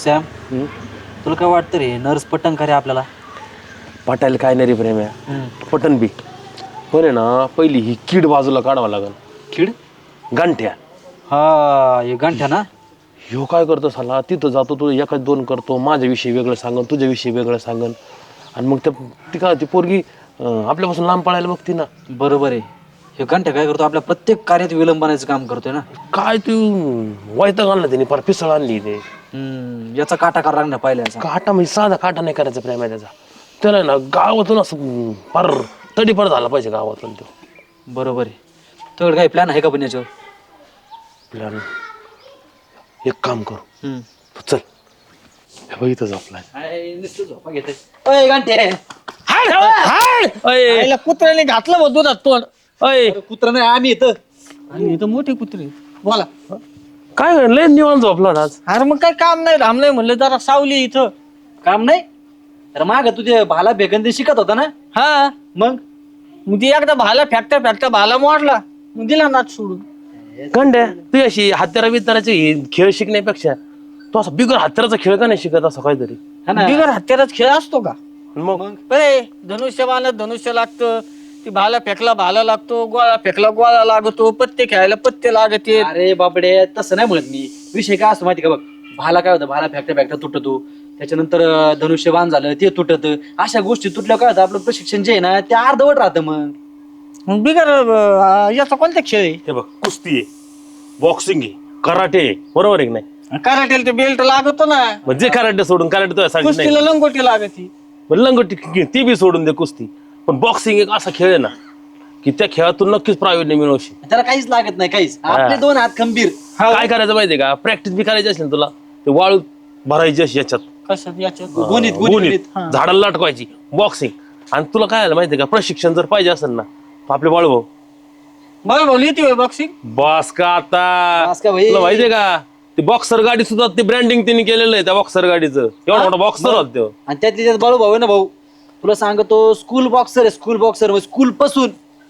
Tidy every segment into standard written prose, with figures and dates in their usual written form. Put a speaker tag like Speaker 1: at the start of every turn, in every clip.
Speaker 1: Sam तुला काय वाटतं रे नर्स पटन का रे आपल्याला?
Speaker 2: पटायला काय नाही रे प्रेम्या, पटन बी पण आहे ना, पहिली ही कीड बाजूला काढावं लागल.
Speaker 1: खिड?
Speaker 2: गांठ्या
Speaker 1: हा हे गांठ्या ना.
Speaker 2: ह्यो काय करतो साला, तिथं जातो तो एकाच दोन करतो, माझ्याविषयी वेगळं सांगन, तुझ्याविषयी वेगळं सांगन, आणि मग ती काय ती पोरगी आपल्यापासून लांब पळायला बघती ना.
Speaker 1: बरोबर आहे. हे गांठ्या काय करतो आपल्या प्रत्येक कार्यात विलंबनाचं काम करतोय ना.
Speaker 2: काय तू वैताग आणला त्याने, पर पिसळ आणली ते.
Speaker 1: याचा काटा का रांगण्या पाहिल्याचा.
Speaker 2: काटा म्हणजे साधा काटा नाही करायचा प्रेम त्याचा, त्याला ना गावातून असं फार तडीपार झाला पाहिजे गावातून तो.
Speaker 1: बरोबर आहे. तुझ्याकडे काही प्लॅन आहे का पण याच्यावर?
Speaker 2: प्लॅन एक काम करू, तू चल हे बघ इथं झोपलाय.
Speaker 3: कुत्र्याने घातलं बघ दुधात तोंड.
Speaker 1: कुत्रा नाही आम्ही येतं.
Speaker 3: आणि इथं मोठे कुत्रे बोला.
Speaker 2: काय लय निवांत झोपला आज.
Speaker 3: अरे मग काय काम नाही धाम नाही म्हणलं जरा सावली इथं.
Speaker 1: काम नाही तर माग तुझे भाला बेगंदी शिकत होता ना.
Speaker 3: हा
Speaker 1: मग
Speaker 3: मग ती एकदा भाला फेकता फेकता भाला मोडला, मग दिला नाच सोडून.
Speaker 2: गंड्या तू अशी हत्यारा बित्याराचे खेळ शिकण्यापेक्षा तू असं बिगर हत्याराचा खेळ का नाही शिकत असं काहीतरी.
Speaker 1: हा ना.
Speaker 3: बिगर हत्याराच खेळ असतो का?
Speaker 2: मग
Speaker 3: अरे धनुष्य बाणात धनुष्य लागतं, ती भाला फेकला भाला लागतो, गोळा फेकला गोळा लागतो, पत्ते खेळायला पत्ते लागते.
Speaker 1: अरे बापडे तसं नाही म्हणत मी. विषय काय असतो माहिती का बघ, भाला काय होतं, भाला फेकता फेकता तुटतो, त्याच्यानंतर धनुष्यबाण झालं ते तुटत, अशा गोष्टी तुटल्या काय होतं आपलं प्रशिक्षण जे आहे ना ते अर्धवट राहतं.
Speaker 3: मग बिगर याचा कोणता खेळ आहे?
Speaker 2: हे बघ, कुस्ती आहे, बॉक्सिंग आहे, कराटे आहे, बरोबर आहे की नाही?
Speaker 3: कराटेला ते बेल्ट लागतो ना.
Speaker 2: म्हणजे कराटे सोडून, कराटे तो
Speaker 3: कुस्तीला लंगोटी लागती.
Speaker 2: लंगोटी ती बी सोडून दे कुस्ती, पण बॉक्सिंग एक असा खेळ आहे ना की त्या खेळातून नक्कीच प्रावीण्य मिळवशील.
Speaker 1: त्याला काहीच लागत नाही, काहीच. आपले दोन हात खंबीर.
Speaker 2: काय करायचं माहितीये का, प्रॅक्टिस बी करायची असेल तुला, ते वाळू भरायची अशी याच्यात
Speaker 3: कसं याच्यात
Speaker 1: गुणित
Speaker 2: गुणीत झाडाला लटकवायची बॉक्सिंग. आणि तुला काय आलं माहितीये का, प्रशिक्षण जर पाहिजे असेल ना तर आपले बाळभाऊ
Speaker 3: बरं बोल येते बॉक्सिंग.
Speaker 2: बस का आता,
Speaker 1: बस का भाई?
Speaker 2: तुला माहितीये का ते बॉक्सर गाडी सुद्धा ते ब्रँडिंग त्यांनी केलेलं आहे त्या बॉक्सर गाडीचं. एवढा मोठा बॉक्सर होता तो.
Speaker 1: आणि त्यातली त्यात बाळू भाऊ आहे ना भाऊ, तुला सांगतो स्कूल बॉक्सर आहे, स्कूल बॉक्सर, स्कूल पासून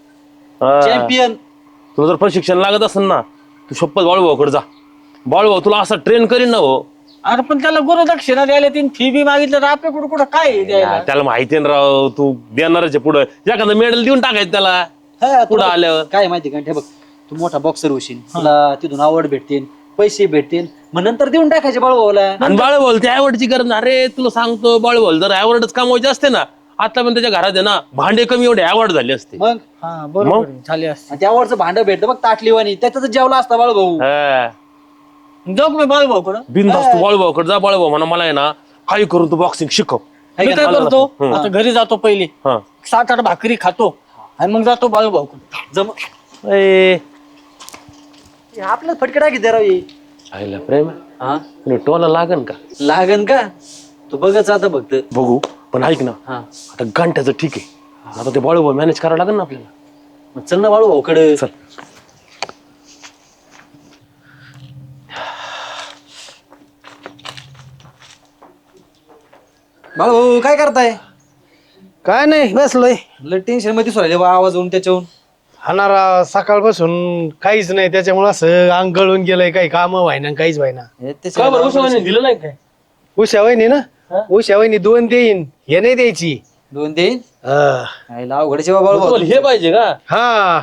Speaker 1: चॅम्पियन.
Speaker 2: तुला जर प्रशिक्षण लागत असेल ना तू शपथ बाळूभाऊकडे जा. बाळूभाऊ तुला असं ट्रेन करीन ना हो.
Speaker 3: अरे पण त्याला गुरुदक्षिणा द्यायला तीन फी बी मागितलं तर आपल्याकडे कुठं काय आहे द्यायला?
Speaker 2: त्याला माहिती ना राव, तू देणारच आहे पुढं, एखादं मेडल देऊन टाकायचं त्याला
Speaker 1: हा,
Speaker 2: पुढं
Speaker 1: तुला
Speaker 2: आल्यावर.
Speaker 1: काय माहिती का, हे बघ तू मोठा बॉक्सर होशील, तुला तिथून आवड भेटतील, पैसे भेटतील, मग नंतर देऊन टाकायचे बाळू भाऊला.
Speaker 2: आणि बाळूभाऊ त्या अवॉर्डची गरज नाही. अरे तुला सांगतो, बाळूभाऊ जर अवॉर्डच कमवायचे असते ना आता पण त्याच्या घरात आहे ना भांडे कमी एवढे अवॉर्ड झाले असते.
Speaker 1: मग
Speaker 3: हा बरोबर आहे. झाले असते.
Speaker 1: आणि त्यावरचं भांडं भेटतं बघ ताटलीवाणी, त्याच्यात जेवला असता बाळू भाऊ.
Speaker 2: हा.
Speaker 3: जाऊ का मी बाळू भाऊकडं?
Speaker 2: बिनधास्त तू बाळूभाऊकडे जा. बाळूभाऊ म्हणा मला आहे ना काही करून तू बॉक्सिंग शिकव.
Speaker 3: मी काय करतो आता घरी जातो पहिले,
Speaker 2: हा
Speaker 3: 7-8 भाकरी खातो आणि मग जातो बाळू भाऊकडं.
Speaker 1: जम
Speaker 2: ए,
Speaker 1: आपलं फटके टाकी दे राव.
Speaker 2: आईला प्रेम
Speaker 1: हा
Speaker 2: टोला लागन का?
Speaker 1: लागन का? तू बघच आता फक्त.
Speaker 2: बघू, पण ऐक ना
Speaker 1: हा
Speaker 2: आता घंट्याचं ठीक आहे, आता ते बाळूभाऊ मॅनेज करावं लागेल ना आपल्याला.
Speaker 1: मग चल ना बाळू भाऊकडे.
Speaker 2: चल.
Speaker 1: बाळू भाऊ काय करताय?
Speaker 4: काय नाही बसलोय.
Speaker 1: लय टेन्शन मध्ये दिसू राहिले बा आवाज होऊन त्याच्याहून.
Speaker 4: हाणारा सकाळपासून काहीच नाही, त्याच्यामुळे असं अंग गळून गेलंय, काही काम व्हायना काहीच व्हायना.
Speaker 2: का बरं उस्माने दिलं नाही काय?
Speaker 4: उषा वहिनी ना, उषा वहिनी 2 देईन, हे नाही द्यायची.
Speaker 1: 2 देईन.
Speaker 4: हा
Speaker 1: अवघडचे बा बाळू भाऊ.
Speaker 2: तुम्हाला हे पाहिजे का?
Speaker 4: हा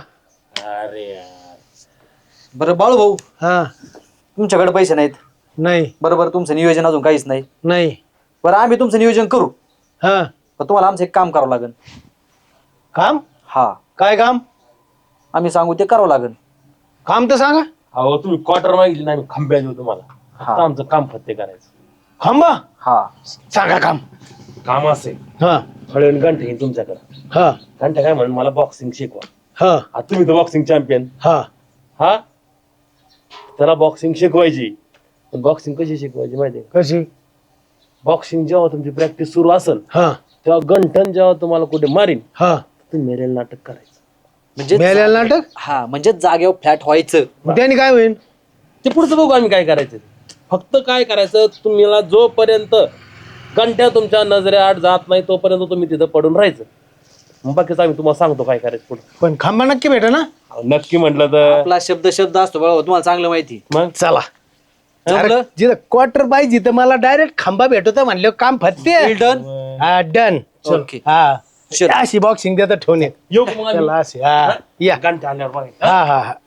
Speaker 1: बरं बाळू भाऊ
Speaker 4: हा
Speaker 1: तुमच्याकडे पैसे नाहीत
Speaker 4: नाही
Speaker 1: बरोबर, तुमचं नियोजन अजून काहीच नाही.
Speaker 4: नाही
Speaker 1: बरं आम्ही तुमचं नियोजन करू,
Speaker 4: हा
Speaker 1: पण तुम्हाला आमचं एक काम करावं लागेल.
Speaker 4: काम
Speaker 1: हा
Speaker 4: काय काम?
Speaker 1: आम्ही सांगू ते करावं लागेल.
Speaker 4: काम तर सांगा.
Speaker 2: अहो तुम्ही क्वार्टर मागितली ना, आम्ही खांब्या देऊ तुम्हाला.
Speaker 1: हा.
Speaker 2: आता आमचं काम फत्ते करायचं.
Speaker 4: खांबा
Speaker 1: हा
Speaker 4: सांगा काम.
Speaker 2: काम असेल
Speaker 4: हा
Speaker 2: हळून घंटे येईल तुमच्याकडे.
Speaker 4: हा
Speaker 2: घंटा काय म्हणून मला बॉक्सिंग शिकवा.
Speaker 4: हा
Speaker 2: आता तुम्ही तर बॉक्सिंग चॅम्पियन.
Speaker 4: हा
Speaker 2: हा त्याला बॉक्सिंग शिकवायची. बॉक्सिंग कशी शिकवायची माहितीये का?
Speaker 4: कशी?
Speaker 2: बॉक्सिंग जेव्हा तुमची प्रॅक्टिस सुरू असेल
Speaker 4: हा
Speaker 2: तेव्हा गंठन जेव्हा तुम्हाला कुठे मारीन
Speaker 4: हा
Speaker 2: तुम्ही मेरेल नाटक करायचं.
Speaker 1: म्हणजे
Speaker 4: मेल्याला नाटक.
Speaker 1: हा म्हणजे जागेवर फ्लॅट व्हायचं.
Speaker 4: मग त्याने काय होईल?
Speaker 2: ते पुढचं बघू आम्ही काय करायचं. फक्त काय करायचं, तुम्हाला जोपर्यंत घंट्या तुमच्या नजरेआड जात नाही तोपर्यंत तुम्ही तिथं पडून राहायचं. मग बाकीचं आम्ही तुम्हाला सांगतो काय करायचं पुढे.
Speaker 4: पण खांबा नक्की भेटा ना?
Speaker 2: नक्की म्हटलं तर
Speaker 1: आपला शब्द असतो बाळू, तुम्हाला चांगलं माहिती.
Speaker 2: मग
Speaker 4: चला
Speaker 1: जमलं?
Speaker 4: जिथं क्वार्टर पाहिजे तर मला डायरेक्ट खांबा भेटतो म्हणलं काम फत्ते
Speaker 1: Well done.
Speaker 4: हा डन
Speaker 1: Okay.
Speaker 4: हा
Speaker 1: चल.
Speaker 4: अशी बॉक्सिंग देतात ठेवण्यात
Speaker 2: येऊ का मग आम्ही?
Speaker 4: चला अशी हा या
Speaker 2: घंटा आल्यावर बघायचं.
Speaker 4: हा हा हा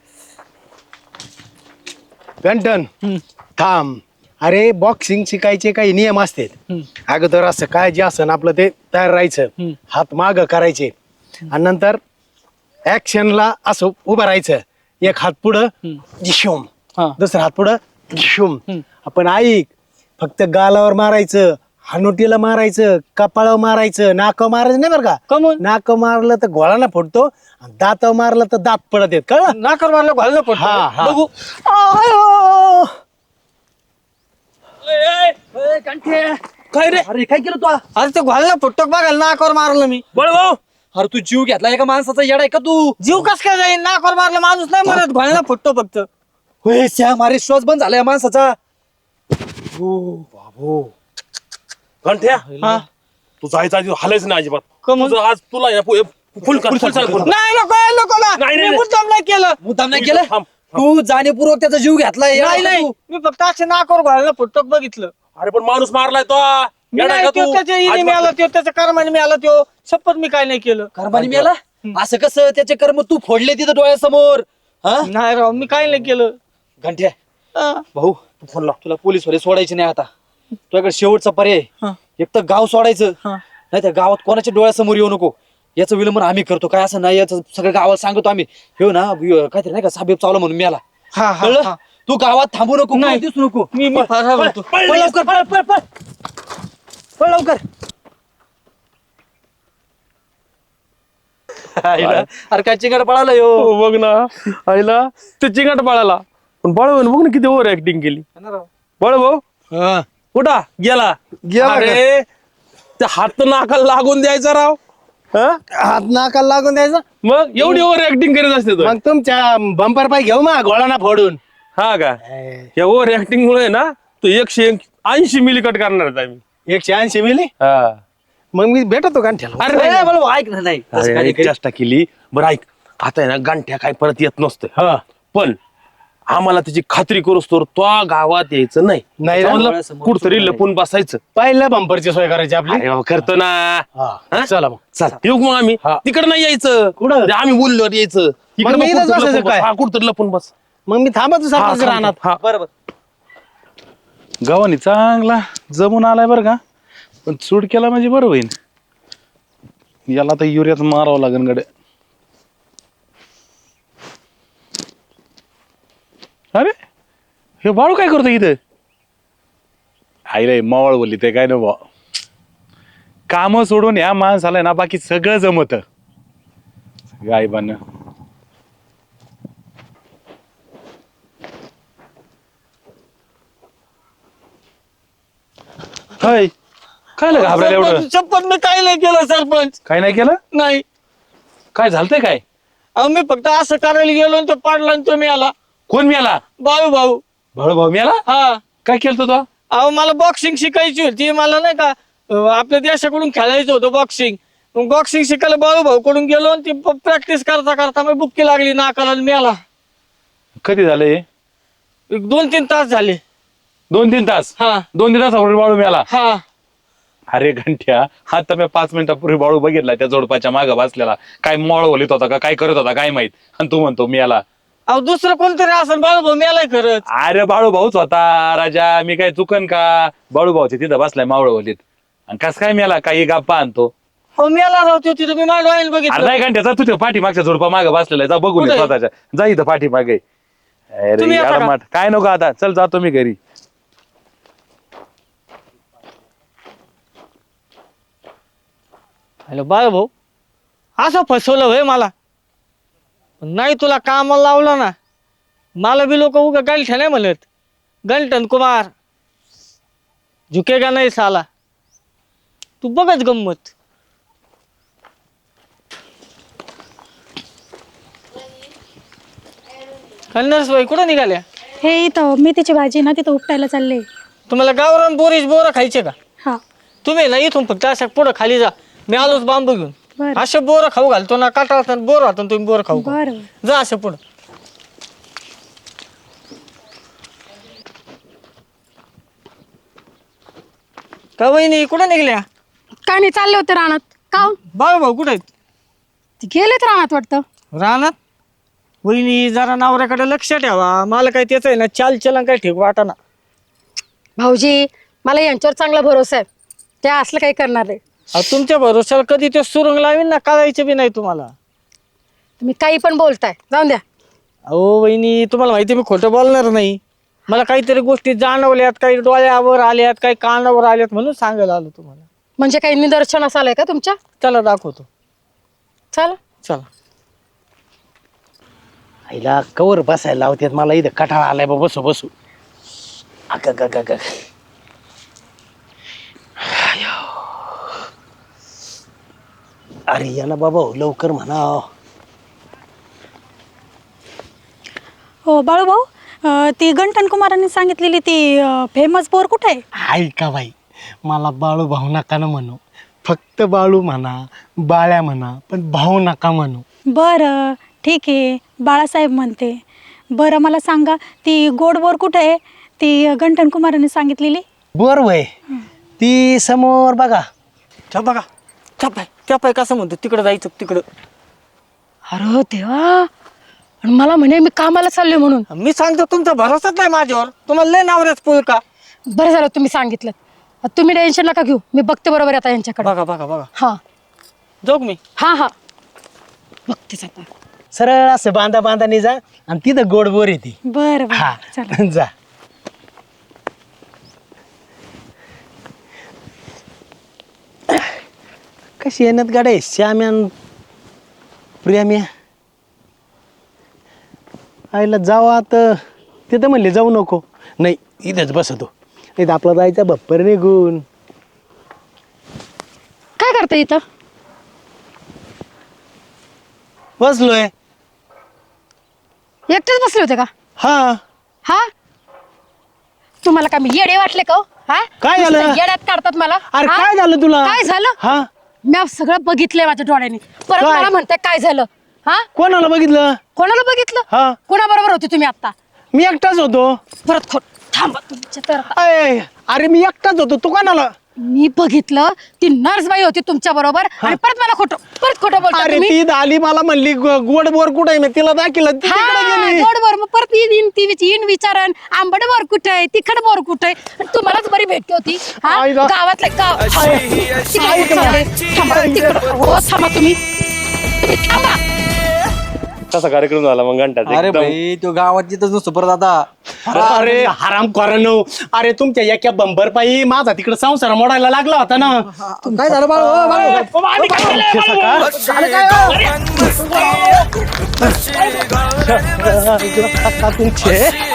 Speaker 4: गंटन थांब अरे बॉक्सिंग शिकायचे काही नियम असतात अगोदर असं काय जे असं आपलं ते तयार राहायचं हात माग करायचे आणि नंतर ऍक्शनला असं उभं राहायचं एक हात पुढं जिशूम
Speaker 1: हा.
Speaker 4: दुसरा हात पुढं जिशूम आपण ऐक फक्त गालावर मारायचं हानोटीला मारायचं कपाळावर मारायचं नाकावर मारायचं नाही बरं का
Speaker 3: कमून
Speaker 4: नाक मारलं तर घोळाना फुटतो आणि दातावर मारलं तर दात पडत येत कळलं
Speaker 3: नाकर मारलं घाललं पडतो
Speaker 4: हा हा
Speaker 3: बघू
Speaker 4: आयो.
Speaker 2: काय रे
Speaker 1: अरे काय केलं तू
Speaker 3: अरे ते घाललं फुटतो बघायला नाकावर मारलं मी
Speaker 2: बळ भाऊ
Speaker 1: अरे तू जीव घेतला एका माणसाचा येडा आहे का तू
Speaker 3: जीव कस काय जाईल नाकावर मारलं माणूस नाही मरत घालला फुटतो फक्त
Speaker 1: होय श्याम अरे श्वास बंद झाला या माणसाचा
Speaker 2: घंट्या
Speaker 3: हा
Speaker 2: तू जायचा आधी हालायचं नाही अजिबात
Speaker 3: कमून?
Speaker 2: तुझं आज तुला फुल कर फुल चाल करून.
Speaker 3: नाही नको
Speaker 2: नाही,
Speaker 3: मी
Speaker 2: नाही.
Speaker 3: मुद्दाम नाही केलं
Speaker 1: मुद्दाम नाही
Speaker 2: तू
Speaker 1: केलं
Speaker 2: थांब,
Speaker 1: तू जाणीवपूर्वक त्याचा जीव घेतलाय येडा
Speaker 3: नाही
Speaker 1: आहे का
Speaker 3: नाही
Speaker 1: तू?
Speaker 3: मी फक्त असे नाकावर घालणं फुटतो बघितलं
Speaker 2: अरे पण माणूस मारलाय तो
Speaker 3: मी
Speaker 2: येडा आहे
Speaker 3: नाही
Speaker 2: का
Speaker 3: त्यो
Speaker 2: तू?
Speaker 3: त्याच्या इने मी आला त्यो त्याच्या कर्माने मी आला त्यो शपथ मी काय नाही केलं
Speaker 1: कर्माने मेला असं कसं त्याचे कर्म तू फोडले तिथं डोळ्यासमोर हा
Speaker 3: नाही राव मी काय नाही केलं
Speaker 1: घंट्या
Speaker 3: हा.
Speaker 1: भाऊ तू फोन लाव तुला पोलीस वाले सोडायचे नाही आता तुझ्याकडे शेवटचा पर्याय
Speaker 3: हा.
Speaker 1: एक तर गाव सोडायचं
Speaker 3: हा.
Speaker 1: नाही तर गावात कोणाच्या डोळ्यासमोर येऊ नको याचं विलंबन आम्ही करतो काय असं नाही याचं सगळं गावाला सांगतो आम्ही हे ना काहीतरी नाही का साहेब चावला म्हणून मी आला
Speaker 3: हा, हा,
Speaker 1: कळलं
Speaker 3: हा.
Speaker 1: तू गावात थांबू नको
Speaker 3: नाही.
Speaker 1: कुठं दिसू नको
Speaker 3: मी फार म्हणतो
Speaker 1: पळ लवकर पळ लवकर आईला, अरे काय चिंगाड पळाला यो
Speaker 2: हो बघ ना आईला ते चिंगाट बाळाला पण बाळ बघ ना किती ओव्हर ऍक्टिंग केली बाळ भाऊ कुठा गेला
Speaker 4: गेला
Speaker 2: अरे ते हात नाकाला लागून द्यायचा राव हा?
Speaker 4: हात नाकाला लागून द्यायचं
Speaker 2: मग एवढी ओव्हर ऍक्टिंग करीत असते तो.
Speaker 4: मग तुमच्या बंपर पाय घेऊ मा घोळाना फोडून
Speaker 2: हा का या ओव्हर ऍक्टिंग मुळे ना तो 180 मिली कट करणार आहे आम्ही
Speaker 4: 180 मिली
Speaker 2: हा.
Speaker 4: मग मी भेटतो गांठ्याला
Speaker 2: अरे नाही,
Speaker 1: ए, बोल, ऐक ना नाही तसं
Speaker 2: अरे,
Speaker 1: काय
Speaker 2: एक
Speaker 1: नाही.
Speaker 2: चेष्टा केली बरं ऐक आता आहे ना गांठ्या काय परत येत नसतं
Speaker 4: हा
Speaker 2: पण आम्हाला त्याची खात्री करूच तर तो गावात यायचं नाही
Speaker 4: नाही ना?
Speaker 2: समजलं? कुठतरी लपून बसायचं
Speaker 4: पहिल्या बंपरची सोय करायची आपली
Speaker 2: अरे बाबा, करतो ना
Speaker 4: हा
Speaker 2: हा?
Speaker 4: चला मग
Speaker 2: चल येऊ मग आम्ही
Speaker 4: हा.
Speaker 2: तिकडे नाही यायचं
Speaker 4: कुठं?
Speaker 2: ते आम्ही बोललो यायचं
Speaker 4: मग मी इथंच बसायचं काय?
Speaker 2: कुठतरी लपून बस
Speaker 4: मग मी थांबतो सरपंच राहणार
Speaker 2: हा.
Speaker 1: बरोबर
Speaker 5: गव्हाणी चांगला जमून आलाय बरं का पण चूड केला म्हणजे बरं होईल याला तर युरियात मारावं लागेल गडे अरे हे बाळू काय करतो इथं आईला मावळ बोलली ते काय नको काम सोडून या माणसाला ना बाकी सगळं जमत गायबान हाय काय घाबरायला एवढं
Speaker 3: सरपंच, शपथ मी काय नाही केलं सरपंच
Speaker 5: काय नाही केलं
Speaker 3: नाही
Speaker 5: काय झालतंय काय
Speaker 3: अहो मी फक्त असं करायला गेलो आणि तो पाडला आणि तो मी आला
Speaker 5: कोण मिळाला
Speaker 3: भाऊ
Speaker 5: भाऊ भाऊ मिळाला
Speaker 3: हा
Speaker 5: काय केलं तो
Speaker 3: अहो मला बॉक्सिंग शिकायची होती मला नाही का आपल्या देशाकडून खेळायचं होतं बॉक्सिंग मग बॉक्सिंग शिकायला भाऊ कडून गेलो आणि ती प्रॅक्टिस करता करता मी बुक्की लागली नाकाला आणि मी आला
Speaker 5: कधी झालंय
Speaker 3: एक 2-3 तास झाले
Speaker 5: 2-3 तास
Speaker 3: हा
Speaker 5: 2-3 तासापूर्वी बाळू मिळाला
Speaker 3: हा
Speaker 5: अरे घंट्या आता मी 5 मिनिटापूर्वी बाळू बघितला त्या जोडपाच्या मागं बसलेला काय मॉळ बोलित होता का काय करत होता काय माहित आणि तू म्हणतो मिळाला
Speaker 3: अहो दुसरं कोणतरी असेल भाऊ मी आलाय खरंच
Speaker 5: अरे बाळू भाऊच होता राजा मी काय चुकन का बाळू भाऊचे तिथं बसलाय मावळ बोलीत आणि कस काय मिळाला काही गप्पा आणतो
Speaker 3: हो मी आला राहतो तिथं मी माझ्या डोळ्याने
Speaker 5: अरे
Speaker 3: बघितलं
Speaker 5: नाही घंट्याचा तुझ्या पाठीमागच्या जोडपा मागं बसलेला आहे. जा बघून ये
Speaker 3: कुठे?
Speaker 5: स्वतःच्या जा इथं पाठीमागे अरे
Speaker 3: तुम्ही येता
Speaker 5: यार
Speaker 3: का?
Speaker 5: माठ काय नको आता चल जातो मी घरी
Speaker 3: हॅलो भाऊ असं फसवलं होय मला नाही तुला कामाला लावलं ना मला बी लोक उगा गंठ्या नाही म्हणत गंठन कुमार झुकेगा नाही साला तू बघच गंमत कन्नरसबाई कुठं निघाल्या
Speaker 6: हे इथं मेथीची भाजी ना तिथं उपटायला चालले
Speaker 3: तुम्हाला गावरान बोरं खायचे का
Speaker 6: हा
Speaker 3: तुम्ही ना इथून फक्त अशा पुढं खाली जा मी आलोच बांबू घेऊन
Speaker 6: बरं
Speaker 3: असे बोरं खाऊ घालतो ना काटा बोर राहतो तुम्ही बोरं खाऊ घाल.
Speaker 6: बरं
Speaker 3: जा असं पुढं का वहिनी कुठं निघल्या?
Speaker 7: काय नाही, चालले होते रानात. का हो?
Speaker 3: बाळूभाऊ कुठे आहेत?
Speaker 7: ते गेलेत रानात वाटतं.
Speaker 3: रानात? वहिनी जरा नवऱ्याकडे लक्ष ठेवा. मला काय त्याचं आहे ना चालचलन काय ठीक वाटाना.
Speaker 7: भाऊजी, मला यांच्यावर चांगला भरोसा आहे. ते असलं काही करणार नाही.
Speaker 3: अहो, तुमच्या भरोश्यावर कधी ते सुरुंग लावीन ना, कळायचं बी नाही तुम्हाला.
Speaker 7: तुम्ही काही पण बोलताय, जाऊन द्या.
Speaker 3: अहो वहिनी, तुम्हाला माहिती मी खोटं बोलणार नाही. मला काहीतरी गोष्टी जाणवल्यात, काही डोळ्यावर आल्यात, काही कानावर आल्यात म्हणून सांगायला आलो तुम्हाला.
Speaker 7: म्हणजे काही निदर्शनास आलंय का तुमच्या?
Speaker 3: चला दाखवतो.
Speaker 7: चला.
Speaker 3: चला.
Speaker 4: आईला कवर बसायला लावतात मला, इथं कठाळा आलाय बा, बसू बसू. अरे याला बाबा लवकर म्हणा.
Speaker 6: हो बाळूभाऊ, ती गंठन कुमारांनी सांगितलेली ती फेमस बोर कुठे आहे?
Speaker 4: ऐका बाई, मला बाळू भाऊ नका ना म्हणू. फक्त बाळू म्हणा, बाळ्या म्हणा, पण भाऊ नका म्हणू.
Speaker 6: बरं ठीक आहे, बाळासाहेब म्हणते. बरं मला सांगा, ती गोड बोर कुठे आहे ती गंठन कुमारांनी सांगितलेली?
Speaker 4: बोर वय ती समोर बघा.
Speaker 3: त्या बघा, त्या पाय कसं म्हणतो तिकडं जायचं तिकडं.
Speaker 7: अरे देवा, आणि मला म्हणे मी कामाला चाललोय म्हणून.
Speaker 3: मी सांगतो तुमचा भरोसाच नाही माझ्यावर. तुम्हाला लय नावऱ्याच पूल का?
Speaker 7: बरं झालं तुम्ही सांगितलं. तुम्ही टेन्शन नका घेऊ, मी बघते बरोबर आता यांच्याकडे.
Speaker 3: बघा बघा बघा.
Speaker 7: हा
Speaker 3: जोग मी.
Speaker 7: हा बघतेच आता.
Speaker 4: सरळ असं बांधा बांधाने जा आणि तिथं गोड बोर येते.
Speaker 6: बरं
Speaker 4: हा
Speaker 6: बरं चला.
Speaker 4: जा. कशी येण्यात गाड्या श्याम्यान प्रियाम्या आईला जावा तर तिथं म्हणले जाऊ नको. नाही इथंच बसतो, नाही तर आपला जायचा बप्पर निघून.
Speaker 7: काय करता इथं?
Speaker 4: बसलोय.
Speaker 7: एकटेच बसले होते का?
Speaker 4: हा
Speaker 7: हा, तुम्हाला काय मी येडे वाटले का हो? हा,
Speaker 4: काय झालं?
Speaker 7: नुसतं येड्यात काढतात मला.
Speaker 4: अरे
Speaker 7: हा?
Speaker 4: काय झालं तुला?
Speaker 7: काय झालं?
Speaker 4: हा,
Speaker 7: मी सगळं बघितलंय माझ्या डोळ्यांनी. परत
Speaker 4: काय?
Speaker 7: मला म्हणताय काय झालं? हा,
Speaker 4: कोणाला बघितलं?
Speaker 7: कोणाला बघितलं?
Speaker 4: हा,
Speaker 7: कोणाबरोबर होते तुम्ही आता?
Speaker 4: मी एकटाच होतो.
Speaker 7: परत खोट. थांबा तुमच्या तर आता.
Speaker 4: अरे मी एकटाच होतो, तू कोणाला?
Speaker 7: मी बघितलं ती नर्सबाई होती तुमच्या बरोबर आणि परत मला खोटं बोलता
Speaker 4: अरे
Speaker 7: तुम्ही.
Speaker 4: ती आली मला म्हणली गोड बोर कुठे आहे, मी तिला दाखिलं ती तिकडे गेली.
Speaker 7: गोडवर मग परत येईन विचारण आंबट बोर कुठे आहे, तिखट बोर कुठे आहे, आणि तुम्हालाच बरी भेटते होती. हा,
Speaker 4: आईला.
Speaker 7: गावातले गाव. तिकडे चालले. थांबा, तिकडे. हो, थांबा तुम्ही थांबा.
Speaker 2: कसा कार्यक्रम झाला मग घंटाचा?
Speaker 1: अरे
Speaker 2: एकदम.
Speaker 1: भाई तो गावात तिथंच नसतो परत आता.
Speaker 4: अरे हराम करानो, अरे तुमच्या एका बंबर पायी माझा तिकडे संसार मोडायला लागला होता ना.
Speaker 1: काय झालं
Speaker 4: तुमचे